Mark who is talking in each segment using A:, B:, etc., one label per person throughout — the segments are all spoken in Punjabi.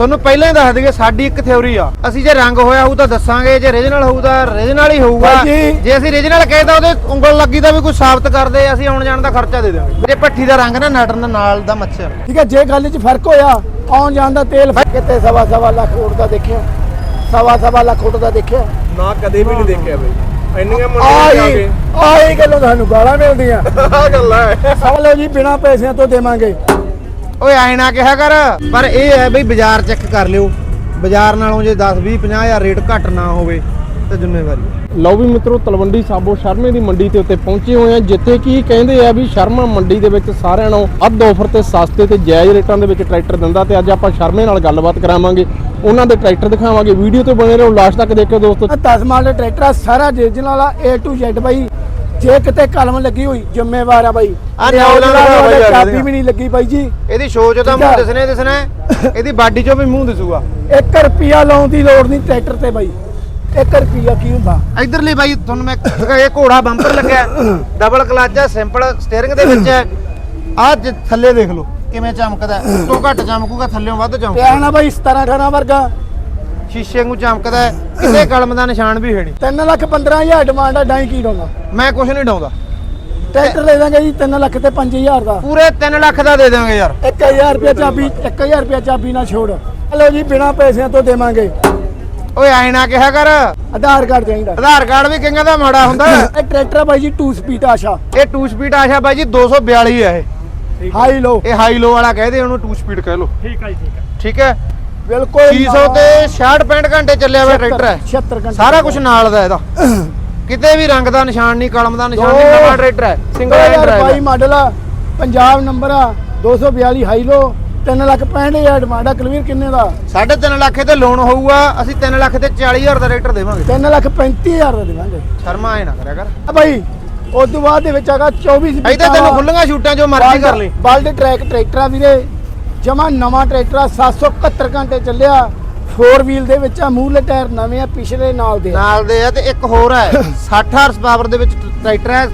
A: ਤੁਹਾਨੂੰ ਪਹਿਲਾਂ ਹੀ ਦੱਸ ਦਈਏ ਸਾਡੀ ਇੱਕ ਥਿਉਰੀ ਆ, ਅਸੀਂ ਜੇ ਰੰਗ ਹੋਇਆ ਹੋਊ ਤਾਂ ਦੱਸਾਂਗੇ, ਜੇ ਰੀਜਨਲ ਹੋਊ ਤਾਂ ਰੀਜਨਲ ਹੀ ਹੋਊਗਾ। ਜੇ ਅਸੀਂ ਰੀਜਨਲ ਕਹੇ ਤਾਂ ਉਹਦੇ ਉਂਗਲ ਲੱਗੀ ਦਾ ਵੀ ਕੋਈ ਸਾਬਤ ਕਰਦੇ, ਅਸੀਂ ਆਉਣ ਜਾਣ ਦਾ ਖਰਚਾ ਦੇ ਦੇਵਾਂਗੇ। ਜੇ ਭੱਠੀ ਦਾ ਰੰਗ ਨਾ ਨਟਣ ਨਾਲ ਦਾ ਮੱਛਰ,
B: ਠੀਕ ਹੈ। ਜੇ ਗੱਲ 'ਚ ਫਰਕ ਹੋਇਆ ਆਉਣ ਜਾਣ ਦਾ ਤੇਲ ਕਿਤੇ ਸਵਾ ਲੱਖ ਉੱਡਦਾ ਦੇਖਿਆ, ਸਵਾ ਲੱਖ ਉੱਡਦਾ ਦੇਖਿਆ
C: ਨਾ, ਕਦੇ ਵੀ ਨਹੀਂ ਦੇਖਿਆ ਬਈ। ਇੰਨੀਆਂ ਮੰਡੀਆਂ
B: ਆਹੀ ਗੱਲੋਂ ਤੁਹਾਨੂੰ ਗਾਲਾਂ ਮਿਲਦੀਆਂ।
C: ਆ ਗੱਲ ਹੈ।
B: ਸਵਾਲੋ ਜੀ ਬਿਨਾਂ ਪੈਸਿਆਂ ਤੋਂ ਦੇਵਾਂਗੇ।
A: ਓਏ ਐ ਨਾ ਕਿਹਾ ਕਰ, ਪਰ ਇਹ ਹੈ ਬਈ ਬਾਜ਼ਾਰ ਚੈੱਕ ਕਰ ਲਿਓ, ਬਾਜ਼ਾਰ ਨਾਲੋਂ ਜੇ 10 20 50 ਹਜ਼ਾਰ ਰੇਟ ਘੱਟ ਨਾ ਹੋਵੇ ਤਾਂ ਜ਼ਿੰਮੇਵਾਰੀ।
D: ਲਓ ਵੀ ਮਿੱਤਰੋ, ਤਲਵੰਡੀ ਸਾਬੋ ਸ਼ਰਮੇ ਦੀ ਮੰਡੀ ਤੇ ਉੱਤੇ ਪਹੁੰਚੇ ਹੋਏ ਆ, ਜਿੱਥੇ ਕੀ ਕਹਿੰਦੇ ਆ ਵੀ ਸ਼ਰਮਾ ਮੰਡੀ ਦੇ ਵਿੱਚ ਸਾਰਿਆਂ ਨਾਲੋਂ ਅੱਧ ਆਫਰ ਤੇ ਸਸਤੇ ਤੇ ਜਾਇਜ਼ ਰੇਟਾਂ ਦੇ ਵਿੱਚ ਟਰੈਕਟਰ ਦਿੰਦਾ। ਤੇ ਅੱਜ ਆਪਾਂ ਸ਼ਰਮੇ ਨਾਲ ਗੱਲਬਾਤ ਕਰਾਵਾਂਗੇ, ਉਹਨਾਂ ਦੇ ਟਰੈਕਟਰ ਦਿਖਾਵਾਂਗੇ। ਵੀਡੀਓ ਤੇ ਬਣੇ ਰਹੋ, ਲਾਸਟ ਤੱਕ ਦੇਖਿਓ ਦੋਸਤੋ।
B: 10 ਮਾਡਲ ਟਰੈਕਟਰ ਆ, ਸਾਰਾ ਰੀਜਨਲ ਵਾਲਾ A to Z ਬਾਈ। ਜੇ ਕਿਤੇ ਕਲਮ ਲੱਗੀ ਹੋਈ ਜ਼ਿੰਮੇਵਾਰ ਆ ਬਾਈ। ਚਾਬੀ ਵੀ ਨਹੀਂ ਲੱਗੀ ਬਾਈ ਜੀ।
A: ਇਹਦੀ ਸ਼ੋਅ 'ਚ ਤਾਂ ਮੂੰਹ ਦਿਸਣਾ, ਇਹਦੀ ਬਾਡੀ 'ਚੋਂ ਵੀ ਮੂੰਹ ਦਿਸੂਗਾ।
B: 1 ਰੁਪਿਆ ਲਾਉਣ ਦੀ ਲੋੜ ਨਹੀਂ ਟਰੈਕਟਰ ਤੇ ਬਾਈ। 1 ਰੁਪਿਆ ਕੀ ਹੁੰਦਾ
A: ਇਧਰਲੀ ਬਾਈ ਤੁਹਾਨੂੰ ਮੈਂ ਇਹ ਘੋੜਾ ਬੰਪਰ ਲੱਗਿਆ, ਡਬਲ ਕਲਚ ਹੈ, ਸਿੰਪਲ ਸਟੀਅਰਿੰਗ ਦੇ ਵਿੱਚ ਹੈ। ਆਹ ਥੱਲੇ ਦੇਖ ਲਓ ਕਿਵੇਂ ਚਮਕਦਾ, ਤੋਂ ਘੱਟ ਚਮਕੂਗਾ, ਥੱਲੇੋਂ ਵੱਧ ਚਮਕੂਗਾ।
B: ਪਿਆ ਨਾ ਬਾਈ 17 18 ਵਰਗਾ
A: ਸ਼ੀਸ਼ੇ ਨੂੰ ਚਮਕਦਾ, ਕਿਸੇ ਕਲਮ ਦਾ ਨਿਸ਼ਾਨ ਵੀ ਹੈ ਨਹੀਂ।
B: 3,15,000 ਡਿਮਾਂਡ ਆ, ਡਾਈ ਕੀ ਡਾਉਂਦਾ।
A: ਮੈਂ ਕੁਝ ਨਹੀਂ ਡਾਉਂਦਾ,
B: ਟਰੈਕਟਰ ਲੈ ਦਾਂਗੇ ਜੀ 3 ਲੱਖ ਤੇ 5,000 ਦਾ।
A: ਪੂਰੇ 3 ਲੱਖ ਦਾ ਦੇ ਦਾਂਗੇ ਯਾਰ।
B: 1,000 ਰੁਪਿਆ ਚਾਬੀ, 1,000 ਰੁਪਿਆ ਚਾਬੀ ਨਾ ਛੋੜ। ਹਲੋ ਜੀ ਬਿਨਾਂ ਪੈਸਿਆਂ ਤੋਂ ਦੇਵਾਂਗੇ।
A: ਓਏ ਐ ਨਾ ਕਿਹਾ ਕਰ,
B: ਆਧਾਰ ਕਾਰਡ ਚਾਹੀਦਾ।
A: ਆਧਾਰ ਕਾਰਡ ਵੀ ਕਿੰਗਾ ਦਾ ਮਾੜਾ ਹੁੰਦਾ।
B: ਇਹ ਟਰੈਕਟਰ ਆ ਬਾਈ ਜੀ 2 ਸਪੀਡ ਆਸ਼ਾ।
A: ਇਹ 2 ਸਪੀਡ ਆਸ਼ਾ ਬਾਈ ਜੀ 242 ਹੈ ਇਹ।
B: ਹਾਈ ਲੋ,
A: ਇਹ ਹਾਈ ਲੋ ਵਾਲਾ ਕਹਦੇ ਉਹਨੂੰ 2 ਸਪੀਡ ਕਹਿ ਲੋ।
C: ਠੀਕ ਹੈ ਜੀ, ਠੀਕ ਹੈ।
A: ਠੀਕ ਹੈ,
B: ਬਿਲਕੁਲ
A: 600 ਤੇ 66 65 ਘੰਟੇ ਚੱਲਿਆ ਹੋਇਆ ਟਰੈਕਟਰ ਹੈ।
B: 76 ਘੰਟੇ
A: ਸਾਰਾ ਕੁਝ ਨਾਲ ਦਾ ਇਹਦਾ, ਕਿਤੇ ਵੀ ਰੰਗ ਦਾ ਨਿਸ਼ਾਨ ਨਹੀਂ, ਕਲਮ ਦਾ ਨਿਸ਼ਾਨ ਨਹੀਂ। ਨਵਾਂ ਟਰੈਕਟਰ ਹੈ, ਸਿੰਗਲ ਹੈਂਡ ਡਰਾਈਵ
B: 2022 ਮਾਡਲ ਆ, ਪੰਜਾਬ ਨੰਬਰ ਆ, 242 ਹਾਈ ਲੋ। 3,65,000 ਡਿਮਾਂਡ ਆ। ਕਲਵੀਰ ਕਿੰਨੇ ਦਾ?
A: 3.5 ਲੱਖ ਤੇ ਲੋਨ ਹੋਊਗਾ। ਅਸੀਂ 3 ਲੱਖ ਤੇ 40,000 ਦਾ ਟਰੈਕਟਰ ਦੇਵਾਂਗੇ।
B: 3,35,000 ਦਾ ਦੇਵਾਂਗੇ।
A: ਸ਼ਰਮਾ ਐ ਨਾ ਕਰਿਆ ਕਰ
B: ਆ ਬਾਈ ਉਸ ਤੋਂ ਬਾਅਦ ਦੇ ਵਿੱਚ ਹੈਗਾ 24 ਸਪੀਡ।
A: ਇੱਥੇ ਤੈਨੂੰ ਖੁੱਲੀਆਂ ਛੂਟਾਂ ਜੋ ਮਰਜ਼ੀ ਕਰ ਲਈ।
B: ਬਲਡ ਟਰੈਕ ਟਰੈਕਟਰ ਆ ਵੀਰੇ, ਜਮਾ ਨਵਾਂ ਟਰੈਕਟਰ ਆ। 771 ਘੰਟੇ ਚੱਲਿਆ। 4 ਵੀਲ ਦੇ ਵਿੱਚ ਆ, ਮੂਹਰਲੇ ਟਾਇਰ ਨਵੇਂ ਆ, ਪਿਛਲੇ ਨਾਲ ਦੇ
A: ਆ। ਤੇ ਇੱਕ ਹੋਰ ਹੈ 60 ਹਾਰਸ ਪਾਵਰ ਦੇ ਵਿੱਚ ਟਰੈਕਟਰ ਹੈ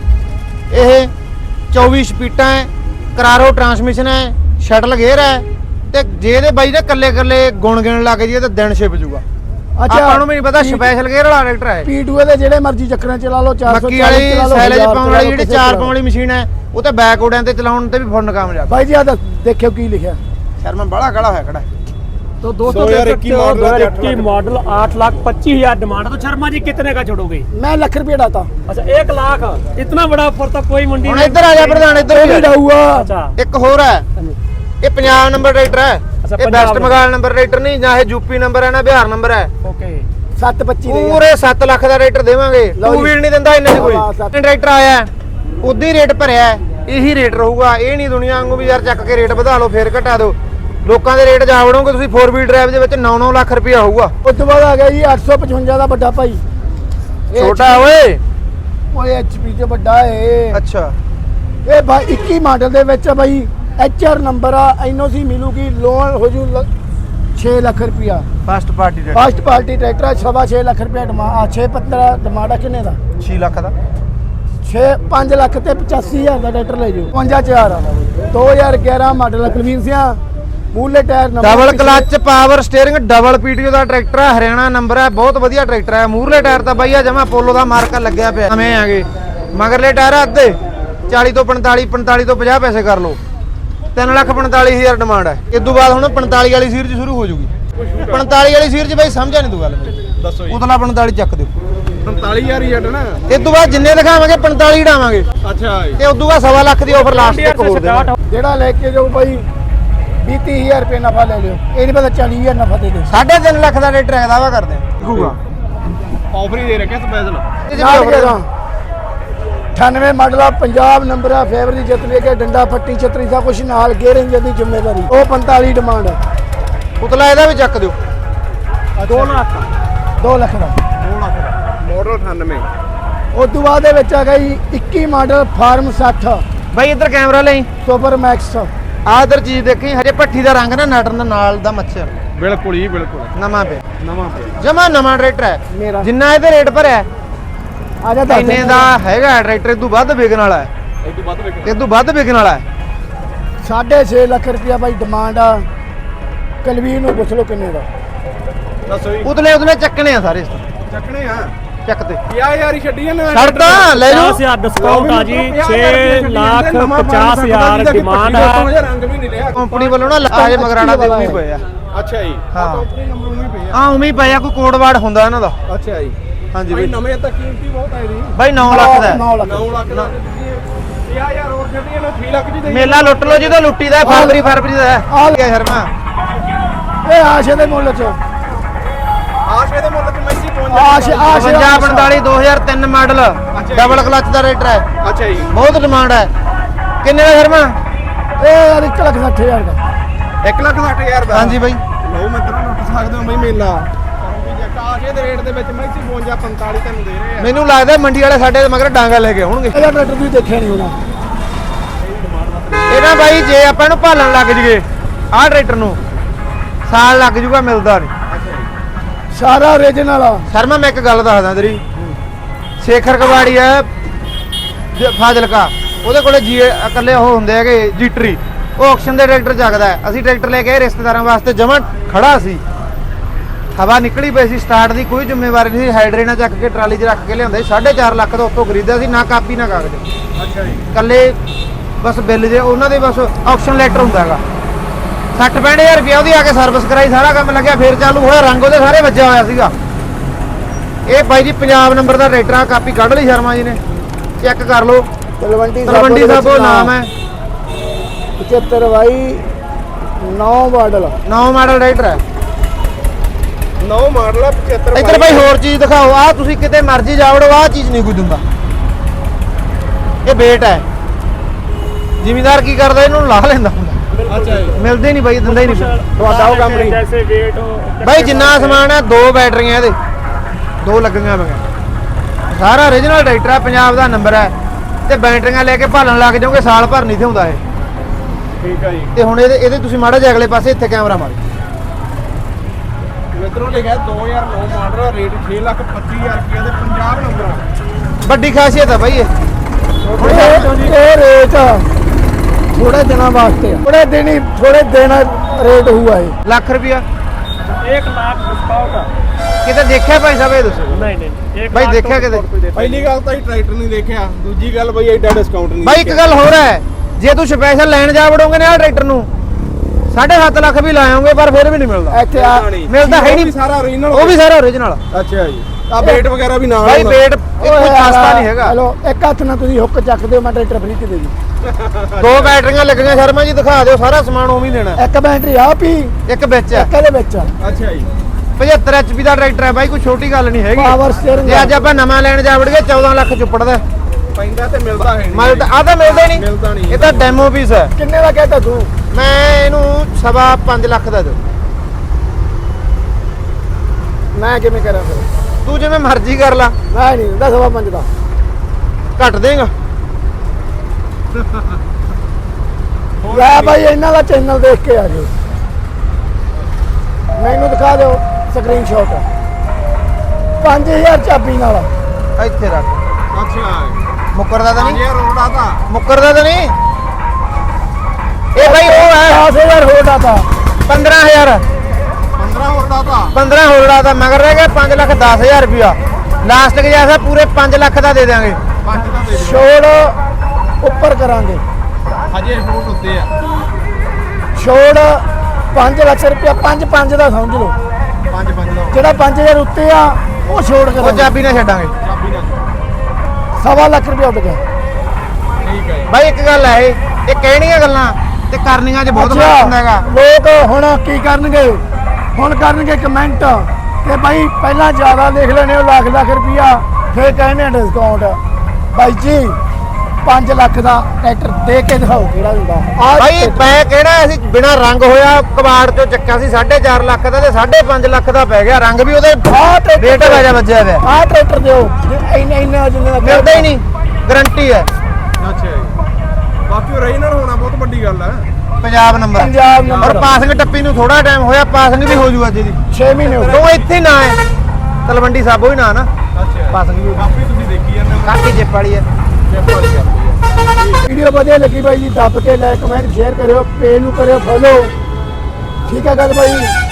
A: ਇਹ। 24 ਸਪੀਡਾਂ ਹੈ, ਕਰਾਰੋ ਟਰਾਂਸਮਿਸ਼ਨ ਹੈ, ਸ਼ਟਲ ਗੇਅਰ ਹੈ। ਤੇ ਜੇ ਇਹਦੇ ਬਾਈ ਨੇ ਕੱਲੇ ਗੁਣ ਗਿਣ ਲੱਗ ਜੀ ਤਾਂ ਦਿਨ ਛਿਪ ਜੂਗਾ। ਆਪਾਂ ਨੂੰ ਵੀ ਨਹੀਂ ਪਤਾ ਸਪੈਸ਼ਲ ਗੇਅਰ ਵਾਲਾ ਟਰੈਕਟਰ ਹੈ।
B: P2 ਦੇ ਜਿਹੜੇ ਮਰਜ਼ੀ ਚੱਕਰਾਂ ਚਲਾ ਲਓ, 440
A: ਮੱਕੀ ਵਾਲੀ ਸੈਲੇਜ ਪਾਉਣ ਵਾਲੀ ਜਿਹੜੀ 4 ਪਾਉਣ ਵਾਲੀ ਮਸ਼ੀਨ ਹੈ, ਉਹ ਤੇ ਬੈਕ ਉਡਿਆਂ ਤੇ ਚਲਾਉਣ ਤੇ ਵੀ ਫੁੱਲ ਕਾਮਯਾਬ।
B: ਬਾਈ ਜੀ ਆ ਦੇਖਿਓ ਕੀ ਲਿਖਿਆ।
A: ਸ਼ਰਮਾ ਬੜਾ ਖੜਾ ਹੋਇਆ ਖੜਾ।
B: तो दोस्तों
C: 2021 मॉडल 8,25,000 डिमांड। तो शर्मा जी कितने का छोड़ोगे?
B: मैं लाख रुपया डालता।
C: अच्छा 1 लाख, इतना बड़ा ऑफर तो कोई मंडी
A: ਹੁਣ ਇੱਧਰ ਆ ਜਾ ਪ੍ਰਧਾਨ, ਇੱਧਰ ਵੀ
B: ਜਾਊਗਾ।
C: अच्छा
A: ਇੱਕ ਹੋਰ ਹੈ, ਇਹ ਪੰਜਾਬ ਨੰਬਰ ਟਰੈਕਟਰ ਹੈ। ਇਹ ਵੈਸਟ ਬੰਗਾਲ ਨੰਬਰ ਟਰੈਕਟਰ ਨਹੀਂ, ਨਾ ਇਹ ਯੂਪੀ ਨੰਬਰ ਹੈ ਨਾ ਬਿਹਾਰ ਨੰਬਰ ਹੈ।
C: ओके
B: 725 ਦੇ
A: ਪੂਰੇ 7 ਲੱਖ ਦਾ ਟਰੈਕਟਰ ਦੇਵਾਂਗੇ। ਟੂ ਵੀਲ ਨਹੀਂ ਦਿੰਦਾ ਇੰਨੇ ਚ ਕੋਈ। ਟਰੈਕਟਰ ਆਇਆ ਉਦੋਂ ਹੀ ਰੇਟ ਭਰਿਆ, ਇਹੀ ਰੇਟ ਰਹੂਗਾ। ਇਹ ਨਹੀਂ ਦੁਨੀਆ ਵਾਂਗੂ ਵੀ ਯਾਰ ਚੱਕ ਕੇ ਰੇਟ ਵਧਾ ਲਓ ਫੇਰ ਘਟਾ ਦਿਓ। ਲੋਕਾਂ ਦੇ ਰੇਟ ਜਾ ਵੜੋਗੇ ਤੁਸੀਂ। 4 ਵੀਲ ਡਰਾਈਵ ਦੇ ਵਿੱਚ 9-9 ਲੱਖ ਰੁਪਇਆ ਹੋਊਗਾ।
B: ਉਸ ਤੋਂ ਬਾਅਦ ਆ ਗਿਆ ਜੀ 855 ਦਾ ਵੱਡਾ ਭਾਈ।
A: ਛੋਟਾ ਓਏ,
B: ਓਏ HP ਤੇ ਵੱਡਾ ਏ।
A: ਅੱਛਾ
B: ਇਹ ਭਾਈ 21 ਮਾਡਲ ਦੇ ਵਿੱਚ ਆ ਬਾਈ। HR ਨੰਬਰ ਆ, NOC ਮਿਲੂਗੀ, ਲੋਨ ਹੋ ਜੂ 6 ਲੱਖ ਰੁਪਇਆ।
A: First party tractor
B: first party tractor ਆ, 6.5 ਲੱਖ ਰੁਪਇਆ ਡਿਮਾਂਡ। 6.15 ਡਿਮਾਂਡ ਆ। ਕਿੰਨੇ ਦਾ?
A: 6 ਲੱਖ ਦਾ।
B: 5 ਲੱਖ ਤੇ 85,000 ਦਾ ਟਰੈਕਟਰ ਲੈ ਜਾਓ। 55,000 ਆ। 2011 ਮਾਡਲ ਆ। ਕੁਲਵੀਰ ਸਿੰਘ ਮੂਲੇ tyre number,
A: double clutch power steering, double PTO ਦਾ ਟਰੈਕਟਰ ਹੈ, ਹਰਿਆਣਾ ਨੰਬਰ ਹੈ। ਬਹੁਤ ਵਧੀਆ ਟਰੈਕਟਰ ਹੈ। ਮੂਰਲੇ ਟਾਇਰ ਤਾਂ ਬਾਈ ਆ ਜਮਾ ਪੋਲੋ ਦਾ ਮਾਰਕਾ ਲੱਗਿਆ ਪਿਆ। ਨਵੇਂ ਆਗੇ। ਮਗਰਲੇ ਟਾਇਰ ਅੱਧੇ 40 ਤੋਂ 45 ਤੋਂ 50 ਪੈਸੇ ਕਰ ਲਓ। 3,45,000 ਡਿਮਾਂਡ ਹੈ। ਇਸ ਤੋਂ ਬਾਅਦ ਹੁਣ 45 ਵਾਲੀ ਸੀਰੀਜ਼ ਸ਼ੁਰੂ ਹੋ ਜੂਗੀ। 45 ਵਾਲੀ ਸੀਰੀਜ਼ ਬਾਈ ਸਮਝਿਆ ਨਹੀਂ ਤੂੰ ਗੱਲ ਮੇਰੀ।
C: ਦੱਸੋ ਜੀ।
A: ਉਤਲਾ 45 ਚੱਕ ਦਿਓ।
C: 45,000 ਹੀ ਹੈ ਨਾ।
A: ਇਸ ਤੋਂ ਬਾਅਦ ਜਿੰਨੇ ਦਿਖਾਵਾਂਗੇ 45 ਡਾਵਾਂਗੇ।
C: ਅੱਛਾ
A: ਤੇ ਉਸ ਤੋਂ ਬਾਅਦ 1.25 ਲੱਖ ਦੀ ਆਫਰ ਲਾਸਟ ਤੱਕ ਹੋਰ ਦੇਵਾਂਗੇ।
B: ਜਿਹੜਾ ਲੈ ਕੇ ਜਾਊ ਬਾਈ 20-30,000 ਰੁਪਏ ਨਫਾ ਲੈ ਲਿਓ। ਇਹ ਨਹੀਂ ਪਤਾ 40,000 ਨਫਾ ਦੇ ਦਿਓ।
A: 3.5 ਲੱਖ ਦਾ ਟਰੈਕਟਰ ਹੈ, ਦਾਵਾ ਕਰਦੇ ਆ।
C: ਆਫਰ ਹੀ ਦੇ ਰੱਖਿਆ ਸਪੈਸ਼ਲ।
B: 98 ਮਾਡਲ ਆ, ਪੰਜਾਬ ਨੰਬਰ ਆ, ਫੇਵਰ ਦੀ ਜਿੱਤ ਲੈ ਕੇ ਡੰਡਾ ਫੱਟੀ ਛਤਰੀ ਸਭ ਕੁਝ ਨਾਲ, ਗੇਅਰ ਇੰਜਨ ਦੀ ਜ਼ਿੰਮੇਵਾਰੀ। ਉਹ 45 ਡਿਮਾਂਡ।
A: ਉਤਲਾ ਇਹਦਾ ਵੀ ਚੱਕ ਦਿਓ।
B: 2 ਲੱਖ ਦਾ।
C: 2 ਲੱਖ ਦਾ ਮਾਡਲ 98।
B: ਉਸ ਤੋਂ ਬਾਅਦ ਦੇ ਵਿੱਚ ਆ ਗਈ 21 ਮਾਡਲ ਫਾਰਮ 60
A: ਬਾਈ ਇੱਧਰ ਕੈਮਰਾ ਲਈ।
B: Super max.
A: ਆਹ ਇੱਧਰ ਚੀਜ਼ ਦੇਖੀ, ਹਜੇ ਭੱਠੀ ਦਾ ਰੰਗ ਨਾ ਨਟਣ ਨਾਲ ਦਾ ਮੱਛਰ।
C: ਬਿਲਕੁਲ ਹੀ ਬਿਲਕੁਲ
A: ਨਵਾਂ ਪਿਆ,
C: ਨਵਾਂ ਪਿਆ।
A: ਜਮਾ ਨਵਾਂ ਟਰੈਕਟਰ ਹੈ।
B: ਮੇਰਾ
A: ਜਿੰਨਾ ਇਹਦੇ ਰੇਟ ਭਰਿਆ
B: ਆ ਜਾ ਦੱਸ
A: ਇੰਨੇ ਦਾ ਹੈਗਾ ਟਰੈਕਟਰ। ਇਹ ਤੋਂ ਵੱਧ ਵਿਕਣ ਵਾਲਾ ਹੈ।
C: ਇਹ ਤੋਂ ਵੱਧ ਵਿਕ।
A: ਇਹ ਤੋਂ ਵੱਧ ਵਿਕਣ ਵਾਲਾ ਹੈ।
B: 6.5 ਲੱਖ ਰੁਪਇਆ ਬਾਈ ਡਿਮਾਂਡ ਆ। ਕਲਵੀਰ ਨੂੰ ਪੁੱਛ ਲਓ ਕਿੰਨੇ ਦਾ।
D: ਦੱਸੋ ਜੀ
A: ਉਤਲੇ ਚੱਕਣੇ ਆ ਸਾਰੇ ਇਸ ਤੋਂ
D: ਚੱਕਣੇ ਆ
A: ਚੱਕ ਤੇ
D: 50000 ਹੀ ਛੱਡੀ ਜਾਂਦੇ
A: ਛੱਡਦਾ ਲੈ ਲਓ
C: 50000 ਡਿਸਕਾਊਂਟ ਆ ਜੀ 6,50,000 ਡਿਮਾਂਡ ਹੈ।
D: ਰੰਗ ਵੀ ਨਹੀਂ ਲਿਆ
A: ਕੰਪਨੀ ਵੱਲੋਂ ਨਾ ਲਾਜ ਮਗਰਾੜਾ ਦੇ ਉਵੇਂ ਪਏ ਆ।
D: ਅੱਛਾ ਜੀ
A: ਹਾਂ।
D: ਕੰਪਨੀ ਨੰਬਰ ਉਵੇਂ ਪਏ ਆ
A: ਹਾਂ ਉਵੇਂ ਹੀ ਪਏ ਆ, ਕੋਈ ਕੋਡ ਵਾਰਡ ਹੁੰਦਾ ਇਹਨਾਂ ਦਾ।
D: ਅੱਛਾ ਜੀ
A: ਹਾਂਜੀ
D: ਭਾਈ
A: ਬਈ
D: ਨਵੇਂ ਤਾਂ ਕੀਮਤੀ ਬਹੁਤ ਆਏ ਜੀ
A: ਬਾਈ 9 ਲੱਖ ਦਾ ਹੈ।
B: 9 ਲੱਖ
D: 9 ਲੱਖ ਦਾ ਤੁਸੀਂ 50000 ਹੋਰ ਛੱਡੀ ਇਹਨਾਂ 3 ਲੱਖ ਦੀ ਦੇਈ
A: ਮੇਲਾ ਲੁੱਟ ਲਓ ਜਦੋਂ ਲੁੱਟੀ ਦਾ ਫਰਵਰੀ ਦਾ ਹੈ।
B: ਆ
A: ਗਿਆ ਸ਼ਰਮਾ
B: ਇਹ ਆਸ਼ੇ ਦੇ ਮੁੱਲ ਚ
D: ਆਸ਼ੇ ਦੇ ਮੁੱਲ ਤੇ ਮੈਂਜੀ ਪਹੁੰਚ
B: ਆਸ਼ੇ
A: 55 45 2003 ਮਾਡਲ ਡਬਲ ਕਲਚ ਦਾ ਰੇਟਰ ਹੈ।
D: ਅੱਛਾ ਜੀ
A: ਬਹੁਤ ਡਿਮਾਂਡ ਹੈ। ਕਿੰਨੇ ਦਾ ਸ਼ਰਮਾ?
B: ਇਹ 1,60,000 ਦਾ
D: 1,60,000 ਦਾ
A: ਹਾਂਜੀ ਬਾਈ
D: ਲਓ ਮਿੱਤਰੋ ਲੁੱਟ ਸਕਦੇ ਹੋ ਬਈ ਮੇਲਾ ਕਰੋਗੇ ਜੇ ਆਸ਼ੇ ਦੇ ਰੇਟ ਦੇ ਵਿੱਚ ਮੈਂਜੀ 52 45 ਤੁਹਾਨੂੰ ਦੇ ਰਹੇ ਆ
A: ਮੈਨੂੰ ਲੱਗਦਾ ਮੰਡੀ ਵਾਲੇ ਸਾਡੇ ਮਗਰ ਡਾਂਗਾ ਲੈ ਕੇ ਆਉਣਗੇ।
B: ਇਹਦਾ ਟਰੈਕਟਰ ਤੁਸੀਂ ਦੇਖਿਆ ਨਹੀਂ ਹੋਣਾ।
A: ਇਹਨਾਂ ਬਾਈ ਜੇ ਆਪਾਂ ਇਹਨੂੰ ਭਾਲਣ ਲੱਗ ਜਗੇ ਆਹ ਟਰੈਕਟਰ ਨੂੰ ਸਾਲ ਲੱਗ ਜੂਗਾ, ਮਿਲਦਾ ਨਹੀਂ।
B: ਸਾਰਾ ਓਰੀਜਨਲ ਆ।
A: ਸ਼ਰਮਾ ਮੈਂ ਇੱਕ ਗੱਲ ਦੱਸਦਾ ਤੇਰੀ, ਸ਼ੇਖਰ ਕਵਾੜੀ ਹੈ ਫਾਜ਼ਿਲਕਾ, ਉਹਦੇ ਕੋਲੇ ਜੀ ਇਕੱਲੇ ਉਹ ਹੁੰਦੇ ਹੈਗੇ ਜੀਟਰੀ, ਉਹ ਆਕਸ਼ਨ ਦੇ ਟਰੈਕਟਰ ਚੱਕਦਾ ਹੈ। ਅਸੀਂ ਟਰੈਕਟਰ ਲੈ ਕੇ ਆਏ ਰਿਸ਼ਤੇਦਾਰਾਂ ਵਾਸਤੇ, ਜਮਾਂ ਖੜਾ ਸੀ, ਹਵਾ ਨਿਕਲੀ ਪਈ ਸੀ, ਸਟਾਰਟ ਦੀ ਕੋਈ ਜ਼ਿੰਮੇਵਾਰੀ ਨਹੀਂ ਸੀ। ਹਾਈਡਰੇ ਨਾਲ ਚੱਕ ਕੇ ਟਰਾਲੀ 'ਚ ਰੱਖ ਕੇ ਲਿਆਂਦੇ, 4.5 ਲੱਖ ਦਾ ਉੱਤੋਂ ਖਰੀਦਿਆ ਸੀ, ਨਾ ਕਾਪੀ ਨਾ ਕਾਗਜ਼।
D: ਅੱਛਾ ਜੀ
A: ਇਕੱਲੇ ਬਸ ਬਿੱਲ ਜੇ ਉਹਨਾਂ ਦੇ ਬਸ ਆਕਸ਼ਨ ਲੈਟਰ ਹੁੰਦਾ ਹੈਗਾ। 60-65 ਹਜ਼ਾਰ ਰੁਪਇਆ ਉਹਦੀ ਆ ਕੇ ਸਰਵਿਸ ਕਰਾਈ, ਸਾਰਾ ਕੰਮ ਲੱਗਿਆ, ਫੇਰ ਚਾਲੂ ਹੋਇਆ। ਰੰਗ ਉਹਦੇ ਸਾਰੇ ਵੱਜਿਆ ਹੋਇਆ ਸੀਗਾ। ਇਹ ਬਾਈ ਜੀ ਪੰਜਾਬ ਨੰਬਰ ਦਾ ਟਰੈਕਟਰ ਆ, ਕਾਪੀ ਕੱਢ ਲਈ ਸ਼ਰਮਾ ਜੀ ਨੇ, ਚੈੱਕ ਕਰ ਲਓ।
B: ਤਲਵੰਡੀ
A: ਸਾਹਿਬ ਉਹ ਨਾਮ ਹੈ।
B: 75 ਬਾਈ 9 ਮਾਡਲ
A: 9 ਮਾਡਲ ਟਰੈਕਟਰ ਹੈ।
D: 9 ਮਾਡਲ ਆ 75
A: ਇੱਧਰ ਬਾਈ ਹੋਰ ਚੀਜ਼ ਦਿਖਾਓ। ਆਹ ਤੁਸੀਂ ਕਿਤੇ ਮਰਜ਼ੀ ਜਾਵੜੋ, ਆਹ ਚੀਜ਼ ਨਹੀਂ ਕੋਈ ਦਿੰਦਾ। ਇਹ ਵੇਟ ਹੈ, ਜ਼ਿਮੀਂਦਾਰ ਕੀ ਕਰਦਾ ਇਹਨੂੰ ਲਾ ਲੈਂਦਾ ਹੁੰਦਾ,
D: ਅੱਛਾ ਜੀ
A: ਮਿਲਦੇ ਨਹੀਂ ਬਾਈ, ਦਿੰਦਾ ਹੀ ਨਹੀਂ।
D: ਤੁਹਾਡਾ ਉਹ ਕੰਮ ਨਹੀਂ
C: ਜੈਸੇ weight
A: ਬਾਈ ਜਿੰਨਾ ਸਮਾਨ ਹੈ 2 ਬੈਟਰੀਆਂ ਇਹਦੇ 2 ਲੱਗੀਆਂ ਹੋਈਆਂ, ਸਾਰਾ ਓਰੀਜਨਲ ਟਰੈਕਟਰ ਹੈ, ਪੰਜਾਬ ਦਾ ਨੰਬਰ ਹੈ, ਤੇ ਬੈਟਰੀਆਂ ਲੈ ਕੇ ਭਾਲਣ ਲੱਗ ਜਾਓਗੇ, ਸਾਲ ਭਰ ਨਹੀਂ ਥਿਆਉਂਦਾ ਇਹ।
D: ਠੀਕ ਆ ਜੀ
A: ਤੇ ਹੁਣ ਇਹਦੇ ਤੁਸੀਂ ਮਾੜਾ ਜਿਹਾ ਅਗਲੇ ਪਾਸੇ ਇੱਥੇ ਕੈਮਰਾ ਮਾਰੋ।
D: ਮਿੱਤਰੋ ਲਿਖਿਆ 2009 ਮਾਡਲ ਰੇਟ 6,25,000 ਰੁਪਏ ਦੇ ਪੰਜਾਬ ਨੰਬਰ
A: ਵੱਡੀ ਖਾਸੀਅਤ ਹੈ ਬਾਈ ਇਹ।
B: ਇਹ ਰੇਟ ਥੋੜੇ ਦਿਨਾਂ ਵਾਸਤੇ ਆ, ਥੋੜੇ ਦਿਨ ਰੇਟ ਹੋਊਗਾ ਇਹ।
A: ਲੱਖ ਰੁਪਿਆ
C: 1 ਲੱਖ ਡਿਸਕਾਊਂਟ।
A: ਕਿਤੇ ਦੇਖਿਆ ਭਾਈ ਸਾਹਿਬ ਇਹ ਦੱਸੋ
C: ਨਹੀਂ ਨਹੀਂ
A: ਬਾਈ ਦੇਖਿਆ ਕਿਤੇ?
D: ਪਹਿਲੀ ਗੱਲ ਤਾਂ ਹੀ ਟਰੈਕਟਰ ਨਹੀਂ ਦੇਖਿਆ, ਦੂਜੀ ਗੱਲ ਬਈ ਐਡਾ ਡਿਸਕਾਊਂਟ ਨਹੀਂ
A: ਬਾਈ ਇੱਕ ਗੱਲ ਹੋਰ ਹੈ, ਜੇ ਤੂੰ ਸਪੈਸ਼ਲ ਲੈਣ ਜਾ ਵੜੋਗੇ ਨਾ ਆਹ ਟਰੈਕਟਰ ਨੂੰ 7.5 ਲੱਖ ਵੀ ਲਾਇਓਗੇ, ਪਰ ਫਿਰ ਵੀ ਨਹੀਂ ਮਿਲਦਾ।
B: ਇੱਥੇ ਆ
A: ਮਿਲਦਾ ਹੈ ਨਹੀਂ,
D: ਸਾਰਾ ਓਰੀਜਨਲ
A: ਉਹ ਵੀ ਸਾਰਾ ਓਰੀਜਨਲ।
D: ਅੱਛਾ ਜੀ ਆ ਵੇਟ ਵਗੈਰਾ ਵੀ ਨਾਲ
A: ਬਾਈ
D: ਹੁੰਦਾ।
A: ਵੇਟ ਕੋਈ ਸਸਤਾ ਨਹੀਂ ਹੈਗਾ।
B: ਹਲੋ ਇੱਕ ਹੱਥ ਨਾਲ ਤੁਸੀਂ ਹੁੱਕ ਚੱਕਦੇ ਹੋ, ਮੈਂ ਟਰੈਕਟਰ ਫ੍ਰੀ ਤੇ ਦੇ ਦੂੰ।
A: 2 ਬੈਟਰੀਆਂ ਲੱਗੀਆਂ ਸ਼ਰਮਾ ਜੀ, ਦਿਖਾ ਦਿਓ, ਸਾਰਾ ਸਮਾਨ ਉਵੇਂ ਹੀ ਦੇਣਾ।
B: ਇੱਕ ਬੈਟਰੀ ਆ ਪੀ,
A: ਇੱਕ ਵਿੱਚ ਹੈ
B: ਇੱਕ ਇਹਦੇ ਵਿੱਚ ਆ।
D: ਅੱਛਾ ਜੀ
A: 75 HP ਦਾ ਟਰੈਕਟਰ ਹੈ ਬਾਈ, ਕੋਈ ਛੋਟੀ ਗੱਲ ਨਹੀਂ ਹੈਗੀ।
B: ਪਾਵਰ ਸਟੀਅਰਿੰਗ
A: ਜੇ ਅੱਜ ਆਪਾਂ ਨਵਾਂ ਲੈਣ ਜਾ ਵੜਗੇ 14 ਲੱਖ ਚੁੱਪੜਦਾ,
D: ਪੈਂਦਾ ਤੇ ਮਿਲਦਾ ਹੈ ਨਹੀਂ
A: ਮਿਲਦਾ ਆਹ ਤਾਂ ਮਿਲਦਾ ਹੀ
D: ਮਿਲਦਾ
A: ਨਹੀਂ।
D: ਨਹੀਂ।
A: ਇਹ ਤਾਂ ਡੈਮੋ ਪੀਸ ਹੈ।
B: ਕਿੰਨੇ ਦਾ ਕਹਿਤਾ ਤੂੰ?
A: ਮੈਂ ਇਹਨੂੰ 5.25 ਲੱਖ ਦਾ ਦੇ।
B: ਮੈਂ ਕਿਵੇਂ ਕਰਾਂ ਫਿਰ?
A: ਤੂੰ ਜਿਵੇਂ ਮਰਜ਼ੀ ਕਰ ਲਾ,
B: ਮੈਂ ਨਹੀਂ ਦਿੰਦਾ 5.5 ਦਾ।
A: ਘੱਟ ਦੇਗਾ।
B: ਲੈ ਬਾਈ ਇਹਨਾਂ ਦਾ ਚੈਨਲ ਦੇਖ ਕੇ ਆ ਜਾਓ, ਮੈਨੂੰ ਦਿਖਾ ਦਿਓ ਸਕਰੀਨਸ਼ਾਟ। 5000 ਚਾਬੀ ਨਾਲ
A: ਇੱਥੇ ਰੱਖ,
D: ਅੱਛਾ
A: ਮੁੱਕਰਦਾ ਤਾਂ ਨਹੀਂ,
D: ਇਹ ਰੋੜਾ ਤਾਂ
A: ਮੁੱਕਰਦਾ ਤਾਂ ਨਹੀਂ। ਇਹ ਬਾਈ ਉਹ ਹੈ
B: 10000 ਹੋਰ ਡਾਤਾ
A: 15,000
D: 15 ਹੋਰ ਦਾ ਤਾਂ
A: 15 ਹੋਲੜਾ ਦਾ ਮਗਰ ਰਹਿ ਗਿਆ 5,10,000 ਰੁਪਇਆ। ਲਾਸਟ ਕੇ ਜੈਸਾ ਪੂਰੇ 5 ਲੱਖ ਦਾ ਦੇ ਦਿਆਂਗੇ।
D: 5 ਦਾ ਦੇ ਦਿਓ
B: ਛੋੜ ਉੱਪਰ ਕਰਾਂਗੇ,
D: ਹਜੇ ਫੂਟ ਉੱਤੇ ਆ
B: ਛੋੜ 5 ਲੱਖ ਰੁਪਇਆ, 5 ਦਾ ਸਮਝ ਲਓ।
D: 5 ਦਾ
B: ਜਿਹੜਾ 5000 ਉੱਤੇ ਆ ਉਹ ਛੋੜ
A: ਉਹ
B: ਕਰਾਂਗੇ,
A: ਚਾਬੀ ਨਾ ਛੱਡਾਂਗੇ।
D: ਚਾਬੀ ਨਾਲ
B: 1.25 ਲੱਖ ਰੁਪਇਆ ਉੱਡ ਗਿਆ।
D: ਠੀਕ ਹੈ ਜੀ
A: ਬਾਈ ਇੱਕ ਗੱਲ ਹੈ, ਇਹ ਕਹਿਣੀਆਂ ਗੱਲਾਂ ਤੇ ਕਰਨੀਆਂ 'ਚ ਬਹੁਤ ਫਰਕ ਹੁੰਦਾ ਹੈਗਾ।
B: ਲੋਕ ਹੁਣ ਕੀ ਕਰਨਗੇ? ਹੁਣ ਕਰਨਗੇ ਕਮੈਂਟ ਕਿ ਬਾਈ ਪਹਿਲਾਂ ਜ਼ਿਆਦਾ ਲਿਖ ਲੈਣੇ ਉਹ ਲੱਖ ਰੁਪਇਆ, ਫਿਰ ਕਹਿੰਦੇ ਡਿਸਕਾਊਂਟ। ਬਾਈ ਜੀ 5 ਲੱਖ ਦਾ ਟਰੈਕਟਰ ਦੇ ਕੇ ਦਿਖਾਓ ਕਿਹੜਾ ਦਿੰਦਾ।
A: ਬਾਈ ਮੈਂ ਕਹਿਣਾ ਅਸੀਂ ਬਿਨਾ ਰੰਗ ਹੋਇਆ ਕਬਾੜ ਚੋਂ ਚੱਕਿਆ ਸੀ 4.5 ਲੱਖ ਦਾ, ਤੇ 5.5 ਲੱਖ ਦਾ ਪੈ ਗਿਆ। ਰੰਗ ਵੀ ਉਹਦੇ ਰੇਟ ਵਾਜਾ ਵੱਜਿਆ ਹੋਇਆ,
B: ਆਹ ਟਰੈਕਟਰ ਦਿਓ ਇੰਨਾ ਜਿੰਨੇ ਦਾ
A: ਮਿਲਦਾ ਹੀ ਨਹੀਂ, ਗਰੰਟੀ ਹੈ।
D: ਅੱਛਾ ਜੀ ਬਾਕੀ ਓਰੀਜਨਲ ਹੋਣਾ ਬਹੁਤ ਵੱਡੀ ਗੱਲ ਹੈ।
A: Punjab number,
B: Punjab number.
A: ਔਰ ਪਾਸਿੰਗ ਟੱਪੀ ਨੂੰ ਥੋੜਾ ਟਾਈਮ ਹੋਇਆ, ਪਾਸਿੰਗ ਵੀ ਹੋ ਜੂਗਾ ਅੱਜ ਦੀ।
B: 6 ਮਹੀਨੇ ਹੋ ਗਏ।
A: ਤੂੰ ਇੱਥੇ ਨਾ ਹੈ, ਤਲਵੰਡੀ ਸਾਬੋ ਹੀ ਨਾ ਨਾ,
D: ਅੱਛਾ
A: ਪਾਸਿੰਗ ਵੀ ਹੋ
D: ਕਾਫੀ ਤੁਸੀਂ ਦੇਖੀ ਜਾਂਦੇ ਹੋ
A: ਕਾਕੀ ਜਿੱਪ ਵਾਲੀ ਹੈ।
D: ਚੈੱਕ ਵਾਲੀ ਕਰਦੀ ਹੈ
B: ਵੀਡੀਓ ਵਧੀਆ ਲੱਗੀ ਬਾਈ ਜੀ, ਦੱਬ ਕੇ ਲਾਈਕ ਕਮੈਂਟ ਸ਼ੇਅਰ ਕਰਿਓ, ਪੇਜ ਨੂੰ ਕਰਿਓ ਫੋਲੋ, ਠੀਕ ਹੈ ਗੱਲ ਬਾਈ।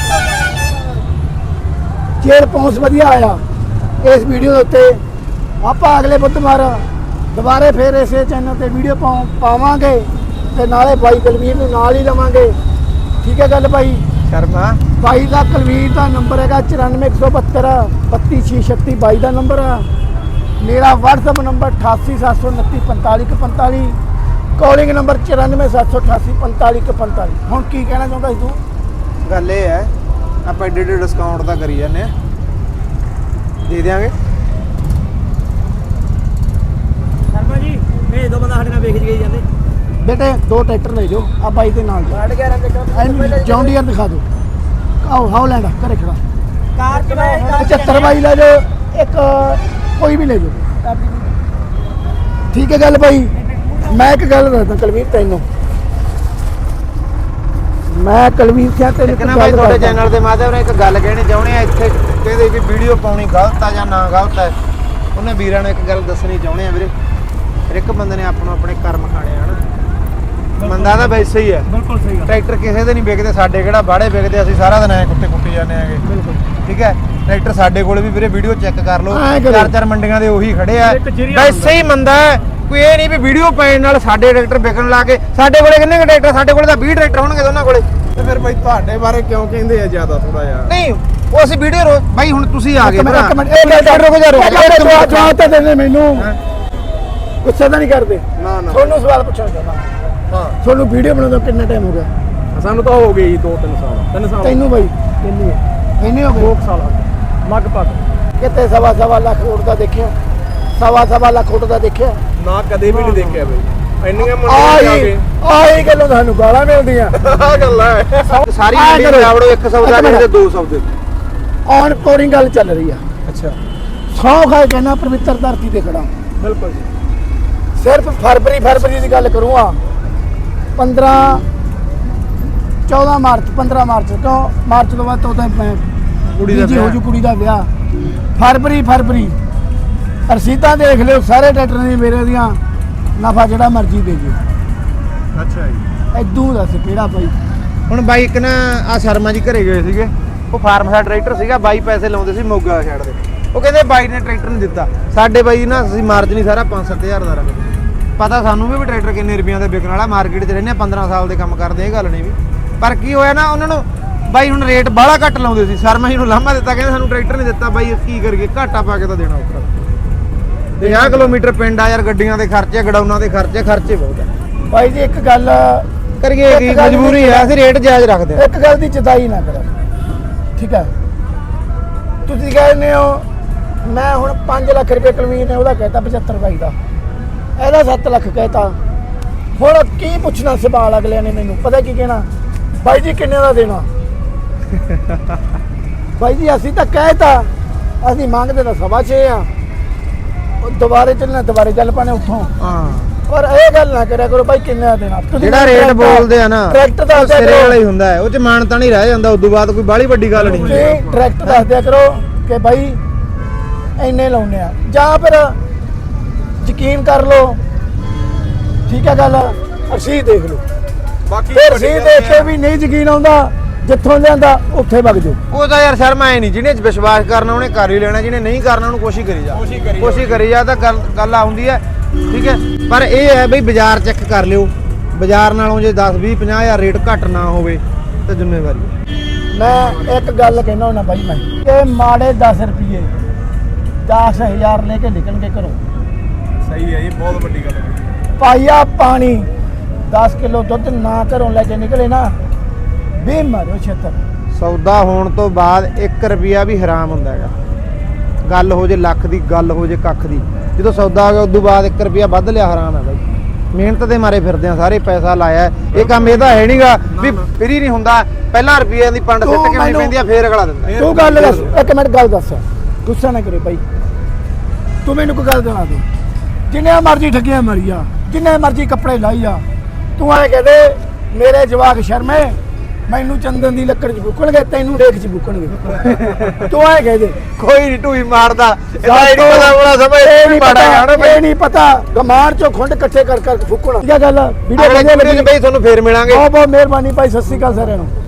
B: ਜੇ ਰਿਸਪੌਂਸ ਵਧੀਆ ਆਇਆ ਇਸ ਵੀਡੀਓ ਦੇ ਉੱਤੇ, ਆਪਾਂ ਅਗਲੇ ਬੁੱਧਵਾਰ ਦੁਬਾਰੇ ਫੇਰ ਇਸੇ ਚੈਨਲ ਤੇ ਵੀਡੀਓ ਪਾਵਾਂਗੇ ਤੇ ਨਾਲੇ ਬਾਈ ਕੁਲਵੀਰ ਨੂੰ ਨਾਲ ਹੀ ਲਵਾਂਗੇ। ਠੀਕ ਹੈ ਗੱਲ ਬਾਈ।
A: ਸ਼ਰਮਾ
B: ਬਾਈ ਦਾ ਕੁਲਵੀਰ ਦਾ ਨੰਬਰ ਹੈਗਾ 94 172 32636 ਬਾਈ ਦਾ ਨੰਬਰ ਆ। ਮੇਰਾ WhatsApp ਨੰਬਰ 88 729 45 45, ਕਾਲਿੰਗ ਨੰਬਰ 94 788 45 45। ਹੁਣ ਕੀ ਕਹਿਣਾ ਚਾਹੁੰਦਾ ਸੀ ਤੂੰ?
A: ਗੱਲ ਇਹ ਹੈ ਆਪਾਂ ਏਡੇ ਡਿਸਕਾਊਂਟ ਤਾਂ ਕਰੀ ਜਾਂਦੇ ਆ, ਦੇ ਦਿਆਂਗੇ।
C: ਸ਼ਰਮਾ ਜੀ ਭੇਜ ਦੋ ਬੰਦਾ ਸਾਡੇ ਨਾਲ ਵੇਖ ਗਈ ਜਾਂਦੇ।
B: ਬੇਟੇ 2 ਟਰੈਕਟਰ ਲੈ ਜਾਓ ਆ ਬਾਈ ਦੇ ਨਾਲ ਜਾਓ। 11 ਜੌਨ ਡੀਅਰ ਦਿਖਾ ਦਿਓ। ਆਓ ਹਾਉਲੈਂਡ ਘਰੇ ਖੜਾ।
C: ਕਾਰ ਚਲਾਏ
B: 75 ਬਾਈ ਲੈ ਜਾਓ, ਇੱਕ ਕੋਈ ਵੀ ਲੈ ਜਾਓ। ਠੀਕ ਹੈ ਗੱਲ ਬਾਈ। ਮੈਂ ਇੱਕ ਗੱਲ ਦੱਸਦਾ ਕੁਲਵੀਰ ਤੈਨੂੰ, ਮੈਂ ਕੁਲਵੀਰ ਸਿਆ ਤੈਨੂੰ ਇੱਕ
A: ਕਿੰਨਾ ਬਾਈ
B: ਗੱਲ
A: ਤੁਹਾਡੇ
B: ਦੱਸਦਾ।
A: ਚੈਨਲ ਦੇ ਮਾਧਿਅਮ ਨਾਲ ਇੱਕ ਗੱਲ ਕਹਿਣੀ ਚਾਹੁੰਦੇ ਆ। ਇੱਥੇ ਕਹਿੰਦੇ ਵੀ ਵੀਡੀਓ ਪਾਉਣੀ ਗਲਤ ਆ ਜਾਂ ਨਾ ਗਲਤ ਹੈ, ਉਹਨੇ ਵੀਰਾਂ ਨੂੰ ਇੱਕ ਗੱਲ ਦੱਸਣੀ ਚਾਹੁੰਦੇ ਆ ਵੀਰੇ। ਹਰ ਇੱਕ ਬੰਦੇ ਨੇ ਆਪਣੋ ਆਪਣੇ ਕਰਮ ਖਾਣੇ ਆ ਹਨਾ। ਬੰਦਾ ਤਾਂ ਵੈਸੇ ਹੀ ਹੈ।
C: ਬਿਲਕੁਲ ਸਹੀ ਗੱਲ।
A: ਟਰੈਕਟਰ ਕਿਸੇ ਦੇ ਨਹੀਂ ਵਿਕਦੇ, ਸਾਡੇ ਕਿਹੜਾ ਬਾੜੇ ਵਿਕਦੇ, ਅਸੀਂ ਸਾਰਾ ਦਿਨ ਐ ਕੁੱਤੇ ਕੁੱਟੀ ਜਾਂਦੇ ਆਗੇ।
C: ਬਿਲਕੁਲ
A: ਠੀਕ ਹੈ। ਟਰੈਕਟਰ ਸਾਡੇ ਕੋਲ ਵੀ ਵੀਰੇ ਵੀਡੀਓ ਚੈੱਕ ਕਰ ਲਓ,
B: ਐਂ ਕਰੋ।
A: 4-4 ਮੰਡੀਆਂ ਦੇ ਉਹੀ ਖੜੇ ਆ।
C: ਇੱਕ ਜਰੀਆ
A: ਵੈਸੇ ਹੀ ਮੰਦਾ ਹੈ, ਕੋਈ ਇਹ ਨਹੀਂ ਵੀ ਵੀਡੀਓ ਪਾਉਣ ਨਾਲ ਸਾਡੇ ਟਰੈਕਟਰ ਵਿਕਣ ਲੱਗੇ। ਸਾਡੇ ਕੋਲੇ ਕਿੰਨੇ ਕੁ ਟਰੈਕਟਰ? ਸਾਡੇ ਕੋਲੇ ਤਾਂ 20 ਟਰੈਕਟਰ ਹੋਣਗੇ ਦੋਨਾਂ ਕੋਲੇ।
D: ਤੇ ਫਿਰ ਬਾਈ ਤੁਹਾਡੇ ਬਾਰੇ ਕਿਉਂ ਕਹਿੰਦੇ ਆ ਜ਼ਿਆਦਾ ਥੋੜਾ ਜਿਹਾ?
A: ਨਹੀਂ ਉਹ ਅਸੀਂ ਵੀਡੀਓ ਬਾਈ ਹੁਣ ਤੁਸੀਂ ਆ ਗਏ
B: ਇੱਕ
A: ਭਰਾ।
B: ਮਿੰਟ ਇਹ ਗੱਲ
A: ਰੁਕੋ ਜਾ
B: ਜਵਾਬ ਤਾਂ ਦੇ ਦੇ ਮੈਨੂੰ। ਗੁੱਸਾ ਤਾਂ ਨਹੀਂ ਕਰਦੇ?
D: ਨਾ ਨਾ
B: ਤੁਹਾਨੂੰ ਸਵਾਲ ਪੁੱਛਣਾ ਚਾਹੁੰਦਾ।
D: ਹਾਂ,
B: ਤੁਹਾਨੂੰ ਵੀਡੀਓ ਬਣਾਉਂਦੇ ਕਿੰਨਾ ਟਾਈਮ ਹੋ ਗਿਆ?
D: ਸਾਨੂੰ ਤਾਂ ਹੋ ਗਏ ਜੀ 2-3 ਸਾਲ। 3 ਸਾਲ
B: ਤੈਨੂੰ ਬਾਈ ਕਿੰਨੀ ਹੈ? ਇੰਨੇ ਹੋ ਗਏ
C: 2 ਸਾਲ ਲਗਭਗ।
B: ਕਿਤੇ ਸਵਾ ਲੱਖ ਉੱਡਦਾ ਦੇਖਿਆ? ਸਵਾ ਲੱਖ ਉੱਡਦਾ ਦੇਖਿਆ?
D: ਨਾ ਕਦੇ ਵੀ ਨਹੀਂ ਦੇਖਿਆ ਬਾਈ। ਇੰਨੀਆਂ
B: ਆਹੀ ਗੱਲੋਂ ਤੁਹਾਨੂੰ ਗਾਲਾਂ ਮਿਲਦੀਆਂ।
D: ਆ ਗੱਲ ਹੈ।
A: ਸਾਰੀ
B: ਆਹ
A: ਮੰਡੀ
B: ਕਰੋ।
A: ਜਾਵੜੋ, ਇੱਕ ਸੌਦਾ
B: ਇੱਕ ਮਿੰਟ।
A: ਦੇ 2 ਸੌਦੇ।
B: ਔਨ ਕੋਰਿੰਗ ਗੱਲ ਚੱਲ ਰਹੀ ਆ।
A: ਅੱਛਾ
B: ਸੌ ਖਾਏ ਕਹਿਣਾ ਪਵਿੱਤਰ ਧਰਤੀ ਤੇ ਖੜਾ।
C: ਬਿਲਕੁਲ ਜੀ।
B: ਸਿਰਫ ਫਰਵਰੀ ਦੀ ਗੱਲ ਕਰੂੰਗਾ। 14 ਮਾਰਚ 15 ਮਾਰਚ ਤੋਂ ਮਾਰਚ ਤੋਂ ਬਾਅਦ ਤਾਂ ਉਹਦਾ
A: ਕੁੜੀ ਦਾ
B: ਜੀ ਹੋ
A: ਵਿਆਹ।
B: ਜੂ ਕੁੜੀ ਦਾ ਵਿਆਹ। ਫਰਵਰੀ ਰਸੀਦਾਂ ਦੇਖ ਲਿਓ ਸਾਰੇ ਟਰੈਕਟਰਾਂ ਦੀ ਮੇਰੇ ਦੀਆਂ। ਨਫਾ ਜਿਹੜਾ ਮਰਜ਼ੀ ਦੇ ਦਿਓ।
A: ਅੱਛਾ ਜੀ।
B: ਐਦੂ ਦੱਸ ਕਿਹੜਾ ਬਾਈ?
A: ਹੁਣ ਬਾਈ ਇੱਕ ਨਾ ਆ ਸ਼ਰਮਾ ਜੀ ਘਰੇ ਗਏ ਸੀਗੇ, ਉਹ ਫਾਰਮ ਦਾ ਟਰੈਕਟਰ ਸੀਗਾ। ਬਾਈ ਪੈਸੇ ਲਾਉਂਦੇ ਸੀ ਮੋਗਾ ਛੱਡ ਦੇ। ਉਹ ਕਹਿੰਦੇ ਬਾਈ ਨੇ ਟਰੈਕਟਰ ਨਹੀਂ ਦਿੱਤਾ। ਸਾਡੇ ਬਾਈ ਨਾ ਅਸੀਂ ਮਾਰਜਨ ਹੀ ਸਾਰਾ 5-7 ਹਜ਼ਾਰ ਦਾ ਰੱਖਦੇ। ਪਤਾ ਸਾਨੂੰ ਵੀ ਟਰੈਕਟਰ ਕਿੰਨੇ ਰੁਪਈਆਂ ਦਾ ਵਿਕਣ ਵਾਲਾ। ਮਾਰਕੀਟ 'ਚ ਰਹਿੰਦੇ 15 ਸਾਲ ਦੇ ਕੰਮ ਕਰਦੇ, ਇਹ ਗੱਲ ਨਹੀਂ ਵੀ। ਪਰ ਕੀ ਹੋਇਆ ਨਾ, ਉਹਨਾਂ ਨੂੰ ਬਾਈ ਹੁਣ ਰੇਟ ਬਾਹਲਾ ਘੱਟ ਲਾਉਂਦੇ ਸੀ। ਸ਼ਰਮਾ ਜੀ ਨੂੰ ਲਾਮਾ ਦਿੱਤਾ, ਕਹਿੰਦੇ ਸਾਨੂੰ ਟਰੈਕਟਰ ਨਹੀਂ ਦਿੱਤਾ। ਬਾਈ ਕੀ ਕਰੀਏ, ਘਾਟਾ ਪਾ ਕੇ ਤਾਂ ਦੇਣਾ ਉੱਪਰ। 50 ਕਿਲੋਮੀਟਰ ਪਿੰਡ ਆ ਯਾਰ, ਗੱਡੀਆਂ ਦੇ ਖਰਚੇ, ਗਡਾਊਨਾਂ ਦੇ ਖਰਚੇ ਬਹੁਤ ਆ।
B: ਬਾਈ ਜੀ ਇੱਕ ਗੱਲ
A: ਕਰੀਏ ਕੀ,
B: ਇੱਕ ਗੱਲ
A: ਮਜਬੂਰੀ ਆ, ਅਸੀਂ ਰੇਟ ਜਾਇਜ਼ ਰੱਖਦੇ ਆ।
B: ਇੱਕ ਗੱਲ ਦੀ ਚਿਤਾਈ ਨਾ ਕਰੋ। ਠੀਕ ਹੈ, ਤੁਸੀਂ ਕਹਿੰਦੇ ਹੋ ਮੈਂ ਹੁਣ 5 ਲੱਖ ਰੁਪਏ ਕੁਲਵੀਰ ਨੇ ਉਹਦਾ ਕਹਿਤਾ 75 ਬਾਈ ਦਾ, ਇਹਦਾ 7 ਲੱਖ ਕਹਿਤਾ। ਹੁਣ ਕੀ ਪੁੱਛਣਾ ਸਵਾਲ ਅਗਲਿਆਂ ਨੇ ਮੈਨੂੰ ਪਤਾ ਕੀ ਕਹਿਣਾ, ਬਾਈ ਜੀ ਕਿੰਨੇ ਦਾ ਦੇਣਾ? ਬਾਈ ਜੀ ਅਸੀਂ ਤਾਂ ਕਹਿਤਾ, ਅਸੀਂ ਮੰਗਦੇ ਤਾਂ 6.5 ਆ। ਦੁਬਾਰੇ ਚੱਲਣਾ ਦੁਬਾਰੇ ਚੱਲ ਪਾਣੇ ਉੱਥੋਂ।
A: ਹਾਂ,
B: ਪਰ ਇਹ ਗੱਲ ਨਾ ਕਰਿਆ ਕਰੋ ਬਾਈ ਕਿੰਨੇ ਦਾ ਦੇਣਾ। ਤੁਸੀਂ
A: ਜਿਹੜਾ ਰੇਟ ਬੋਲਦੇ ਆ ਨਾ
B: ਟਰੈਕਟਰ ਦੱਸ ਦਿਆ
A: ਸਿਰੇ
B: ਕਰੋ।
A: ਵਾਲਾ ਹੀ ਹੁੰਦਾ ਹੈ, ਉਹ ਚ ਮਾਨਤਾ ਨਹੀਂ ਰਹਿ ਜਾਂਦਾ। ਉਦੋਂ ਬਾਅਦ ਕੋਈ ਬਾਹਲੀ ਵੱਡੀ ਗੱਲ ਨਹੀਂ ਹੁੰਦੀ।
B: ਤੁਸੀਂ ਟਰੈਕਟਰ ਦੱਸ ਦਿਆ ਕਰੋ ਕਿ ਬਾਈ ਇੰਨੇ ਲਾਉਨੇ ਆ, ਜਾਂ ਫਿਰ ਯਕੀਨ ਕਰ ਲਓ। ਠੀਕ ਹੈ ਗੱਲ, ਅਸੀਂ ਦੇਖ ਲਓ।
D: ਬਾਕੀ
B: ਫਿਰ ਅਸੀਂ ਦੇਖ ਕੇ ਵੀ ਨਹੀਂ ਯਕੀਨ ਆਉਂਦਾ, ਜਿੱਥੋਂ ਲਿਆਂਦਾ ਉੱਥੇ ਵਗ ਜਾਓ।
A: ਉਹ ਤਾਂ ਯਾਰ ਸ਼ਰਮਾ ਐ ਨਹੀਂ, ਜਿਹਨੇ ਵਿਸ਼ਵਾਸ ਕਰਨਾ ਉਹਨੇ ਕਰ ਹੀ ਲੈਣਾ, ਜਿਹਨੇ ਨਹੀਂ ਕਰਨਾ ਉਹਨੂੰ ਕੋਸ਼ਿਸ਼ ਕਰੀ ਜਾ। ਕੋਸ਼ਿਸ਼ ਕਰੀ ਜਾ ਤਾਂ ਗੱਲ ਆਉਂਦੀ ਹੈ। ਠੀਕ ਹੈ, ਪਰ ਇਹ ਹੈ ਬਈ ਬਾਜ਼ਾਰ ਚੈੱਕ ਕਰ ਲਿਓ। ਬਾਜ਼ਾਰ ਨਾਲੋਂ ਜੇ 10 20 50 ਹਜ਼ਾਰ ਰੇਟ ਘੱਟ ਨਾ ਹੋਵੇ ਤਾਂ ਜ਼ਿੰਮੇਵਾਰੀ।
B: ਮੈਂ ਇੱਕ ਗੱਲ ਕਹਿਣਾ ਹੁੰਦਾ ਬਾਈ, ਮੈਂ ਕਿ ਮਾੜੇ 10 ਰੁਪਏ 10,000 ਲੈ ਕੇ ਨਿਕਲਣਗੇ ਘਰੋਂ।
D: ਸਹੀ ਹੈ, ਇਹ ਬਹੁਤ ਵੱਡੀ ਗੱਲ ਹੈ।
B: ਪਾਈਆ ਪਾਣੀ 10 ਕਿਲੋ ਦੁੱਧ ਨਾ ਘਰੋਂ ਲੈ ਕੇ ਨਿਕਲੇ ਨਾ, ਵੀ ਮਾਰੋ ਛੇਤਰ।
A: ਸੌਦਾ ਹੋਣ ਤੋਂ ਬਾਅਦ 1 ਰੁਪਿਆ ਵੀ ਹਰਾਮ ਹੁੰਦਾ ਹੈਗਾ। ਗੱਲ ਹੋ ਜੇ ਲੱਖ ਦੀ, ਗੱਲ ਹੋ ਜੇ ਕੱਖ ਦੀ, ਜਦੋਂ ਸੌਦਾ ਆ ਗਿਆ ਉਦੋਂ ਬਾਅਦ 1 ਰੁਪਿਆ ਵੱਧ ਲਿਆ ਹਰਾਮ ਹੈ ਬਾਈ। ਮਿਹਨਤ ਦੇ ਮਾਰੇ ਫਿਰਦੇ ਆ ਸਾਰੇ, ਪੈਸਾ ਲਾਇਆ। ਇਹ ਕੰਮ ਇਹਦਾ ਹੈ ਨਹੀਂਗਾ ਵੀ ਫਰੀ ਨਹੀਂ ਹੁੰਦਾ। ਪਹਿਲਾਂ ਰੁਪਈਆਂ ਦੀ ਪੰਡ ਸਿੱਟ ਕੇ ਆਉਣੀ ਪੈਂਦੀ ਆ, ਫੇਰ ਅਗਲਾ ਦਿੰਦਾ।
B: ਤੂੰ ਗੱਲ ਦੱਸ, ਇੱਕ ਮਿੰਟ ਗੱਲ ਦੱਸ, ਗੁੱਸਾ ਨਾ ਕਰੇ ਬਾਈ। ਤੂੰ ਮੈਨੂੰ ਕੋਈ ਗੱਲ ਦੱਸ ਦੇ, ਜਿੰਨੇ ਮਰਜ਼ੀ ਠੱਗੀਆਂ ਮਾਰੀ ਆ, ਜਿੰਨੇ ਮਰਜ਼ੀ ਕੱਪੜੇ ਲਾਈ ਆ, ਤੂੰ ਐ ਕਹਦੇ ਮੇਰੇ ਜਵਾਕ ਸ਼ਰਮੇ ਮੈਨੂੰ ਚੰਦਨ ਦੀ ਲੱਕੜ 'ਚ ਬੁੱਕਣਗੇ, ਤੈਨੂੰ ਰੇਖ 'ਚ ਬੁੱਕਣਗੇ। ਤੂੰ ਐ ਕਹਦੇ
A: ਕੋਈ ਨਹੀਂ ਢੂਈ ਮਾਰਦਾ, ਇਹਦਾ ਇਹ ਨਹੀਂ ਪਤਾ ਬੜਾ ਸਮਝ ਇਹ ਨਹੀਂ ਪਤਾ,
B: ਇਹ ਨਹੀਂ ਪਤਾ ਗਮਾਰ 'ਚੋਂ ਖੁੰਡ ਇਕੱਠੇ ਕਰ ਫੁੱਕਣਾ। ਠੀਕ ਹੈ ਗੱਲ, ਵੀਡੀਓ
A: ਅਗਲੇ
B: ਵਧੀਆ
A: ਵੀਡੀਓ
B: ਲੱਗੀ
A: 'ਚ ਬਈ ਤੁਹਾਨੂੰ ਫੇਰ ਮਿਲਾਂਗੇ।
B: ਬਹੁਤ ਬਹੁਤ ਮਿਹਰਬਾਨੀ ਭਾਈ, ਸਤਿ ਸ਼੍ਰੀ ਅਕਾਲ ਸਾਰਿਆਂ ਨੂੰ।